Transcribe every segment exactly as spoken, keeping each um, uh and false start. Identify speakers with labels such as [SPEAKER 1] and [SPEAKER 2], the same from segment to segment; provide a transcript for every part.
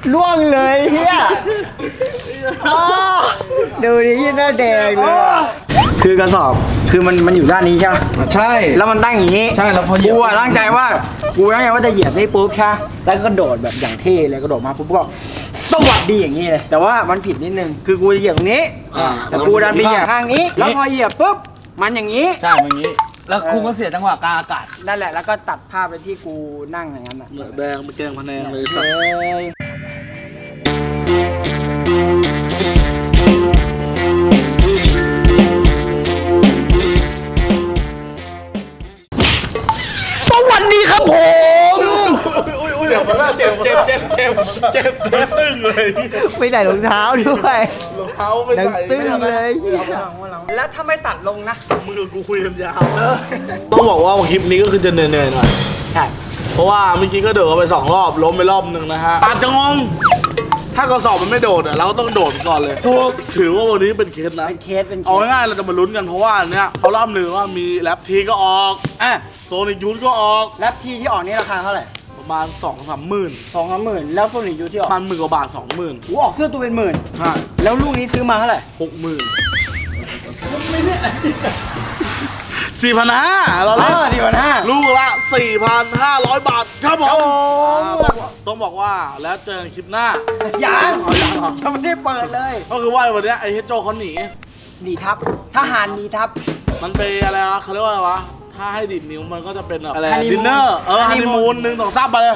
[SPEAKER 1] ล่วงเลยเฮียดูดิยี่หน้าแดงเลยคือกระสอบคือมันมันอยู่ด้านนี้ใช่ไหม
[SPEAKER 2] ใช่
[SPEAKER 1] แล้วมันตั้งอย่างนี้
[SPEAKER 2] ใช่แล้วพอเหยียบ
[SPEAKER 1] กูตั้งใจว่ากูตั้งใจว่าจะเหยียบนี่ปุ๊บใช่แล้วก็โดดแบบอย่างเท่เลยกระโดดมาปุ๊บก็สวัสดีอย่างนี้เลยแต่ว่ามันผิดนิดนึงคือกูจะเหยียบตรงนี้แต่กูดันไปเหยียบข้างนี้แล้วพอเหยียบปุ๊บมันอย่างนี้
[SPEAKER 2] ใช่อย่างนี้แล้วกูก็เสียจังหวะกลางอากาศ
[SPEAKER 1] นั่นแหละแล้วก็ตัดภาพไปที่กูนั่งอย่างนั้นอ่ะ
[SPEAKER 2] แดงมาแกงพะแนงเลยสั
[SPEAKER 1] สวัสดีครับผม
[SPEAKER 2] เจ็บมากเจ็บเจ็บเจ็บเจ็บเจ็บเจ็บตึ้งเลย
[SPEAKER 1] ไม่ใส่รองเท้าด้วย
[SPEAKER 2] รองเท้าไม่ใส่
[SPEAKER 1] ตึ้งเลยแล้วถ้าไม่ตัดลงนะ
[SPEAKER 2] มือกูคุยกันยาวต้องบอกว่าคลิปนี้ก็คือจะเหนื่อยๆหน่อย
[SPEAKER 1] ใช่
[SPEAKER 2] เพราะว่าเมื่อกี้ก็เดินไปสองรอบล้มไปรอบหนึ่งนะฮะอาจจะงงถ้ากระสอบมันไม่โดดอ่ะเราก็ต้องโดดก่อนเลยถูกถือว่าวันนี้เป็นเคสนะ
[SPEAKER 1] เป็นเคสเป็น
[SPEAKER 2] เอาง่ายๆเราจะมาลุ้นกันเพราะว่าเนี้ยเขาล่ำลือว่ามีแรปทีก็ออก
[SPEAKER 1] อ่ะ
[SPEAKER 2] โซนิกยูทก็ออก
[SPEAKER 1] แรปทีที่ออกนี่ราคาเท่าไหร่
[SPEAKER 2] ประมาณสองสามหมื่น
[SPEAKER 1] สองสามหมื่นแล้วโซนิกยูทที่ออก
[SPEAKER 2] ประมาณหมื่นกว่าบาทสองหมื่น
[SPEAKER 1] กูออกเสื้อตัวเป็นหมื่น
[SPEAKER 2] ใช่
[SPEAKER 1] แล้วลูกนี้ซื้อมาเท่าไหร่
[SPEAKER 2] หกหมื่นสี่พันห้าเราเล่น
[SPEAKER 1] สี่พันห้า
[SPEAKER 2] ลูกละสี่พันห้าร้อยบาทครับผมต้องบอกว่าแล้วเจอคลิปหน้า
[SPEAKER 1] ยังยังไม่ได้เปิดเลย
[SPEAKER 2] ก็คือว่าวันนี้ไอ้เฮโจเขาหนี
[SPEAKER 1] หนีทับทหารหนีทับ
[SPEAKER 2] มันเป็นอะไรวะเขาเรียกว่าอะไรวะถ้าให้ดิดนิ้วมันก็จะเป็นอะไรดินเนอร์เออฮันนีมูนหนึ่งสองสามไปเลย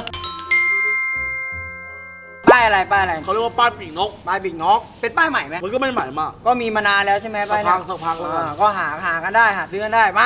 [SPEAKER 1] ป้ายอะไรป้ายอะไร
[SPEAKER 2] เขาเรียกว่าป้ายปีกนก
[SPEAKER 1] ป้ายปีกนกเป็นป้ายใหม่ไหม
[SPEAKER 2] มันก็ไม่ใหม่มาก
[SPEAKER 1] ก็มีมานานแล้วใช่ไหมป้าย
[SPEAKER 2] นี้สักพักสักพัก
[SPEAKER 1] ก็หาหากันได้หาซื้อกันได้มา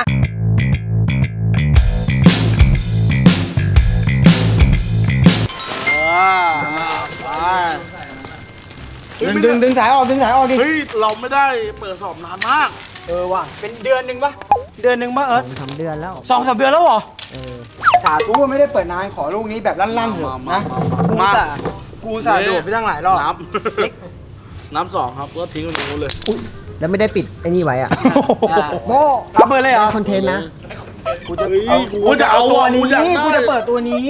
[SPEAKER 1] ดึงดึงดึงสายออกดึงสายออกดิ
[SPEAKER 2] เฮ้ยเราไม่ได้เปิดสอบนานมาก
[SPEAKER 1] เออว่ะเป็นเดือนหนึ่งปะเดือนหนึ่งปะเออ
[SPEAKER 3] สองเดือนแล้ว
[SPEAKER 1] สองสามเดือนแล้วเหรอเออสาธุไม่ได้เปิดนานขอลูกนี้แบบลั่นๆเถอะนะกูสากูสาโดดไปตั้งหลายรอบ
[SPEAKER 2] น้ำน้ำสองครับก็ทิ้งไว้ตรงนู้นเลย
[SPEAKER 3] แล้วไม่ได้ปิดไอ้นี่ไว้อ่ะ
[SPEAKER 1] โม่เอาเปิดเลยเหรอ
[SPEAKER 3] คอนเทนต์นะ
[SPEAKER 1] กูจะเอากูจะเอาตัวนี้กูจะเปิดตัวนี้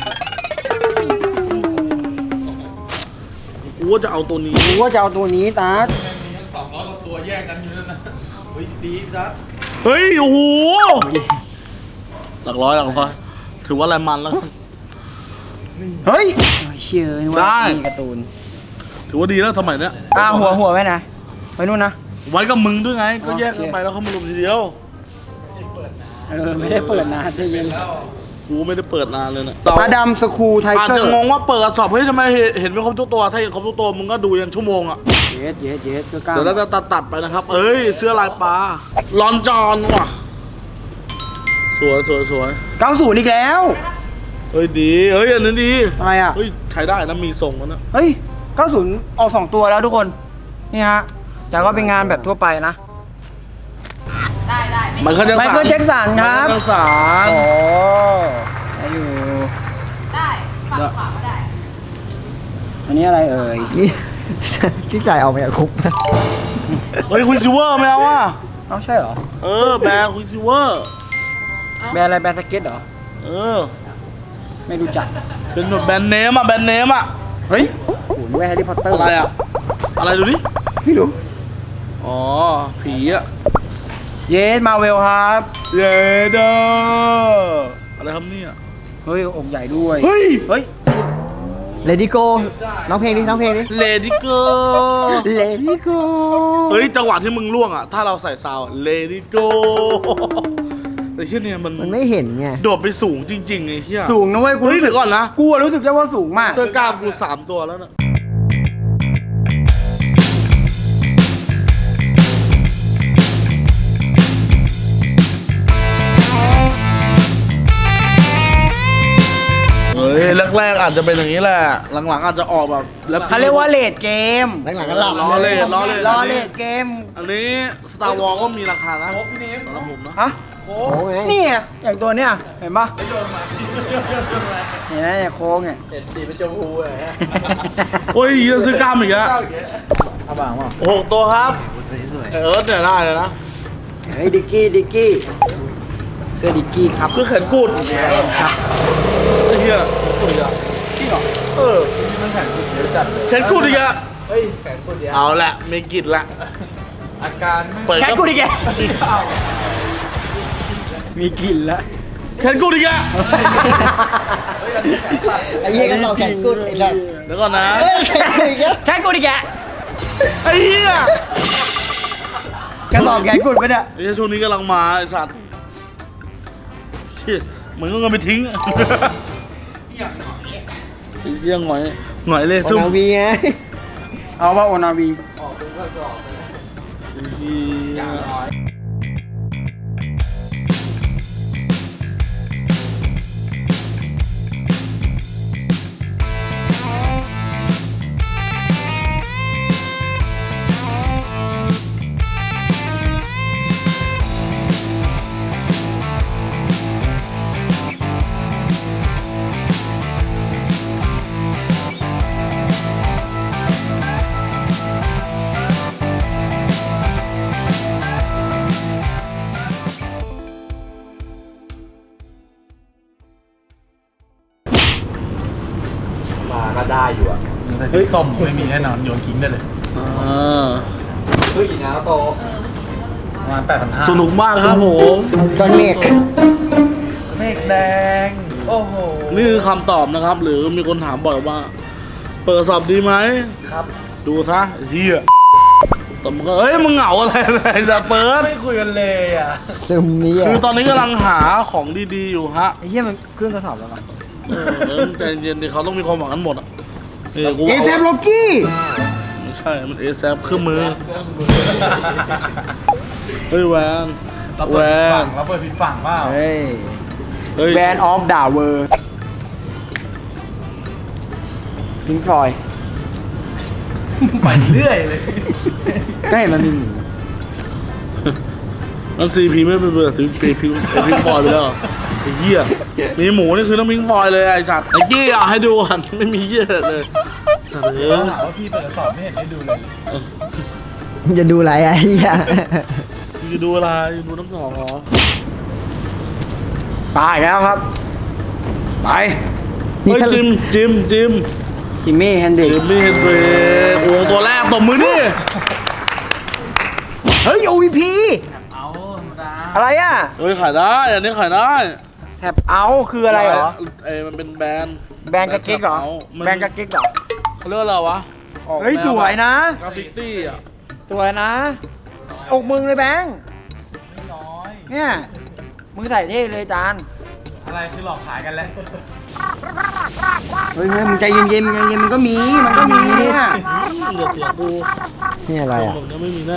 [SPEAKER 2] กูว่าจะเอาตัวนี้
[SPEAKER 1] กูว่าจะเอาตัวนี้ตา
[SPEAKER 2] สองร้อยกว่าตัวแยกกันอยู่นั่นนะเฮ้ยดีตัดเฮ้ยโอ้โหหลักร้อยหลักร้อยถือว่าอะไรมันแล้ว
[SPEAKER 1] เฮ้ยเชื่อว่ามีการ์ตูน
[SPEAKER 2] ถือว่าดีแล้วสมัยเนี้ย
[SPEAKER 1] อ่าหัวหัวไว้ไหนไว้นู่นนะ
[SPEAKER 2] ไว้กับมึงด้วยไงก็แยกกันไปแล้วเขามารวมทีเดียว
[SPEAKER 1] เออไม่ได้เปิดนานได้ยิน
[SPEAKER 2] กูไม่ได้เปิดนานเลยนะ
[SPEAKER 1] อาดัมสคูไทเกอร์
[SPEAKER 2] อาจจะงงว่าเปิดสอบเฮ้ยทำไมเห็นไม่ครบทุกตัวถ้าเห็นครบทุกตัวมึงก็ดูยันชั่วโมงอ่ะ
[SPEAKER 1] เย็ดเย็ดเย็ดเสื้อกล้าม
[SPEAKER 2] เดี๋ยวเราจะตัดตัดไปนะครับเอ้ยเสื้อลายปลาลอนจอนว่ะสวยสวยสวย
[SPEAKER 1] เก้าศูนย์อีกแล้ว
[SPEAKER 2] เฮ้ยดีเฮ้ยอันนั้นดี
[SPEAKER 1] อะไรอ่ะ
[SPEAKER 2] เฮ้ยใช้ได้นะมีทรงแล้วนะ
[SPEAKER 1] เฮ้ยเก้าศูนย์ออกสองตัวแล้วทุกคนนี่ฮะแต่ก็เป็นงานแบบทั่วไปนะ
[SPEAKER 4] ได้ได้
[SPEAKER 2] ไมเคิลแจ็คสัน
[SPEAKER 1] ไมเคิลแจ็คสันครับ
[SPEAKER 2] ไมเคิลแจ็คสัน
[SPEAKER 1] โอ้ได้อยู่
[SPEAKER 4] ได้ฝั่งขวาก็ได้
[SPEAKER 1] อันนี้อะไรเอ่ย
[SPEAKER 3] ที่จ่ายเอาไปคุกนะ
[SPEAKER 2] เฮ้ยคุณซิเวอร์ไม่เอาว่ะ
[SPEAKER 1] เอาใช่เหรอ
[SPEAKER 2] เออแบรนด์คุณซิเวอร์
[SPEAKER 1] แบรนด์อะไรแบรนด์สเก็ตเหรอ
[SPEAKER 2] เออ
[SPEAKER 1] ไม่รู้จัก
[SPEAKER 2] เป็นแบบแบรนด์เนมอ่ะแบรนด์เนมอ่ะ
[SPEAKER 1] เฮ้ยหุ่นแวร์แฮร์รี่พอตเตอร์
[SPEAKER 2] อะไรอ่ะอะไรดูดิ
[SPEAKER 1] ไม่รู้
[SPEAKER 2] อ๋อผีอ่ะ
[SPEAKER 1] เยสมาเวลครับ
[SPEAKER 2] เยเดออะไรครับเนี่ย
[SPEAKER 1] เฮ้ยองค์ใหญ่ด้วย
[SPEAKER 2] เฮ้ย
[SPEAKER 1] เฮ้ย
[SPEAKER 3] เลดี้โกน้องเพลงดิน้องเพลงดิ
[SPEAKER 2] เลดี้โก
[SPEAKER 1] เลดี้โก
[SPEAKER 2] เฮ้ยจังหวะที่มึงล่วงอ่ะถ้าเราใส่ซาวเลดี้โกแต่ที่เนี่ยมัน
[SPEAKER 3] มันไม่เห็นไง
[SPEAKER 2] โดดไปสูงจริงๆไอ้เหี้ย
[SPEAKER 1] สูงนะเว้ยกูรู้สึก
[SPEAKER 2] ก่อนนะ
[SPEAKER 1] กูรู้สึกได้ว่าสูงมาก
[SPEAKER 2] เสื้อกล้ามกูสามตัวแล้วนะเฮ้ยแรกๆอาจจะเป็นอย่างนี้แหละหลังๆอาจจะออกแบบ
[SPEAKER 1] เขาเรียกว่าเลดเกม
[SPEAKER 3] หลังๆก็หลับ
[SPEAKER 2] ล้อเล่นล้อเล่น
[SPEAKER 1] ล้อเล่นเกม
[SPEAKER 2] อันนี้ Star Wars ก็มีราคานะสำหรับผมนะ
[SPEAKER 1] ฮะโค้งนี่อย่างตัวเนี้ยเห็นปะเห็นไหมเนี่ยโค้งเนี่ย
[SPEAKER 2] เห็นสีเป็นชมพูเลยโอ้ยยังซื้อกล้ามอีกอะ
[SPEAKER 1] เอาบ้างวะ
[SPEAKER 2] หกตัวครับเอิร์ธเนี่ยได้เลยนะ
[SPEAKER 1] เฮ้ยดิกกี้ดิกกี้เสื้อดิกกี้ครับ
[SPEAKER 2] คือแขนกุด
[SPEAKER 1] ครับ
[SPEAKER 2] ไอ้เหี้ยกุดอะ
[SPEAKER 1] เหรอ
[SPEAKER 2] เออ
[SPEAKER 5] มันแข็งกุดเยอะจัดเลย
[SPEAKER 2] แขนกูดอีกอะ
[SPEAKER 5] เฮ้ยแข็งกุดเยอะ
[SPEAKER 2] เอาละมีกิจละ
[SPEAKER 5] อาการไม่
[SPEAKER 2] เปิด
[SPEAKER 1] แค่กูดิแก
[SPEAKER 5] เอา
[SPEAKER 1] มีกลิ่นแล้ว
[SPEAKER 2] แขนกูดอีกอะ
[SPEAKER 5] เฮ้ยอันนี้แข็งตัด
[SPEAKER 3] ไอ้เหี้ยก็ต่อแขนกุดไอ้สัส
[SPEAKER 2] เดี๋ยวก่อนนะ
[SPEAKER 3] เฮ้ยแขนกุดอีกแล้ว
[SPEAKER 1] แค่กูดิแก
[SPEAKER 2] ไอ้เหี้ย
[SPEAKER 3] กระสอบแขนกุดไปเนี่ย
[SPEAKER 2] ไอ้เหี้ยช่วงนี้กำลังมาไอ้สัตว์เชี่ยเหมือนก็เงินไปทิ้งอะไอ้เหี้ยหงอยหงอยเลย
[SPEAKER 3] โอ
[SPEAKER 2] ซุ่ม
[SPEAKER 3] นาวีไง
[SPEAKER 1] เอาว่าโอนาวี
[SPEAKER 5] ออกเป็นกระสอบเลยนะ
[SPEAKER 2] ไอ้เหี้ย
[SPEAKER 5] อย่างน้อย มาก็ได้อยู่อ่ะเฮ้ยส้มไม่มีแน่นอนโยนทิ้งได้เลย
[SPEAKER 2] อ่า
[SPEAKER 5] เฮ้ยนะโตประมาณแปดพันห้า
[SPEAKER 2] สนุกมากครับผม
[SPEAKER 3] ก้อนเมฆ
[SPEAKER 5] เมฆแดง โอ้โห
[SPEAKER 2] นี่คือคำตอบนะครับ หรือมีคนถามบ่อยว่า เปิดสอบดีไหม
[SPEAKER 5] ครับ
[SPEAKER 2] ดูซะไอ้เฮียแต่มันก็เอ้ยมึงเหงาอะไรอะไรจะเปิด
[SPEAKER 5] ไม่คุยกันเลยอ่ะ
[SPEAKER 3] ซึมนี้อ่ะ
[SPEAKER 2] คือตอนนี้กำลังหาของดีๆอยู่ฮะ
[SPEAKER 1] ไอ้เหี้ยมันเครื่องกระสอบแล้วมั้ง
[SPEAKER 2] เออเออใจเย็นดิเขาต้องมีความหวังกันหมดอ่ะเออกู
[SPEAKER 1] เอ
[SPEAKER 2] เอา
[SPEAKER 1] เซฟโลกี้
[SPEAKER 2] ไม่ใช่มันเอแซเครื่องมือเฮ้ยแวน
[SPEAKER 5] เรา
[SPEAKER 2] แว
[SPEAKER 5] เปิดผิดฝั่
[SPEAKER 2] น
[SPEAKER 5] งเราเปิดผิดฝั่งเปล่า
[SPEAKER 1] เฮ้ย
[SPEAKER 2] เฮ้ย
[SPEAKER 1] แบนออฟดาเวอร์พิงฟอย
[SPEAKER 5] ไปเรื่อยเลย
[SPEAKER 1] ก็เห็นมันมีหมู
[SPEAKER 2] นั่นซีพีไม่เป็นเบอร์ถึงเพย์พิงเพย์พิงฟอยไปแล้วเหรอไอ้เหี้ยมีหมูนี่คือน้ำพิงฟอยเลยไอ้สัตว์ไอ้กี้เอาให้ดูกันไม่มีเหี้ยเลยสัตว์เออ
[SPEAKER 5] ถามว่าพี่เปิดกระสอบไม่เห็นได้ดูเลย
[SPEAKER 3] มึงจะดูอะไรอ่ะไอ้เหี้ย
[SPEAKER 2] มึงจะดูอะไรดูน้ำหนองเหรอ
[SPEAKER 1] ตายแล้วครับ ไป
[SPEAKER 2] เฮ้ยจิมจิมจิม
[SPEAKER 1] จิมมี่แฮนดิ
[SPEAKER 2] จิมมี่เฮนเบรกโอ้ตัวแรกตบมือดิ
[SPEAKER 1] เฮ้ย โอ วี พี
[SPEAKER 5] เอาธรรมดา
[SPEAKER 1] อะไรอ่ะ
[SPEAKER 2] เฮ้ยขายได้อันนี้ขายได้
[SPEAKER 1] แท็บเอาคืออะไรเหรอ
[SPEAKER 2] เอ้ยมันเป็นแบรนด์
[SPEAKER 1] แบรนด์กระกิ๊กเหรอ
[SPEAKER 2] มัน
[SPEAKER 1] แบรนด์กระกิ๊กเหรอ
[SPEAKER 2] เขาเรียกว่าอะไรวะออก
[SPEAKER 1] เฮ้ย
[SPEAKER 2] แน
[SPEAKER 1] สวยนะ
[SPEAKER 2] กราฟิตี้อ่ะ
[SPEAKER 1] สวยนะ อกมึงเลยแบงค์
[SPEAKER 5] ไม่น้อย
[SPEAKER 1] เนี่ย มึงใส่เท่เลยจาน
[SPEAKER 5] อะไรคือหลอกขายกันแล้ว
[SPEAKER 1] เฮ้ยเฮ้ยมึงใจเย็นๆมึงใจเย็นๆมันก็มี มันก็มีเนี่ย
[SPEAKER 2] เหลือเสียกู
[SPEAKER 3] นี่อะไร
[SPEAKER 2] ทรง
[SPEAKER 3] อ่ะ
[SPEAKER 2] แบบนี้ไม่มีแน่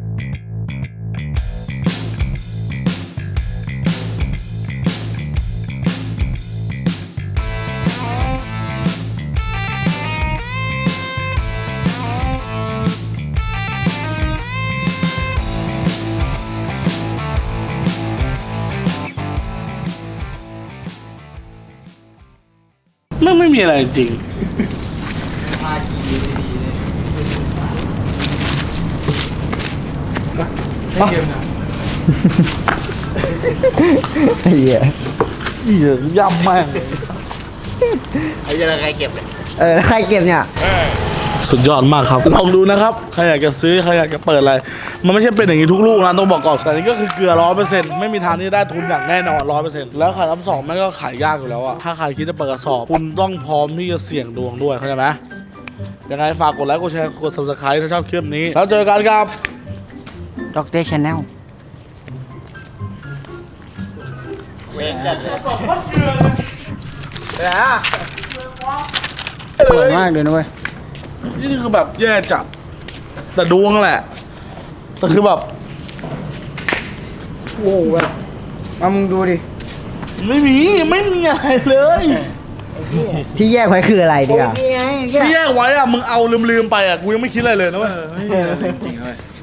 [SPEAKER 2] ไม่ไม่มีอะไรจริง
[SPEAKER 5] ให้ยืมนะ
[SPEAKER 3] ไอ้เหี้ย
[SPEAKER 2] เหี้ยย่ำมาก
[SPEAKER 5] ไอ้ยังไงเก็บเลย
[SPEAKER 3] เออใครเก็บเนี่ย
[SPEAKER 2] สุดยอดมากครับลองดูนะครับใครอยากจะซื้อใครอยากจะเปิดอะไร มันไม่ใช่เป็นอย่างนี้ทุกลูกนะต้องบอกก่อนแต่นี่ก็คือเกลือร้อยเปอร์เซ็นต์ไม่มีทางที่ได้ทุนอย่างแน่นอนร้อยเปอร์เซ็นต์แล้วขายรับสองแม่งก็ขายยากอยู่แล้วอะถ้าใครคิดจะเปิดกระสอบคุณต้องพร้อมที่จะเสี่ยงดวงด้วยเข้าใจไหมยังไงฝากกดไลค์กดแชร์กด ซับสไครบ์ ถ้าชอบคลิปนี้แล้วเจอกันครับ
[SPEAKER 1] ด็อกเตอร์ชาแนล
[SPEAKER 5] เวงจัดเลย
[SPEAKER 1] สวยมากเลยนะเว้ย
[SPEAKER 2] นี่คือแบบแย่จัดแต่ดวงแหละแต่คือแบบ
[SPEAKER 1] โอ้โหแบบเอามึงดูดิ
[SPEAKER 2] ไม่มีไม่มีอะไรเลย
[SPEAKER 3] ที่แยกไว้คืออะไรดีอ่ะ
[SPEAKER 1] นี่ไง
[SPEAKER 2] ที่แยกไว้อะมึงเอาลืมๆไปอะกูยังไม่คิดอะไรเลยนะเว้ย
[SPEAKER 5] ไม่มีอะไรจริงๆเลย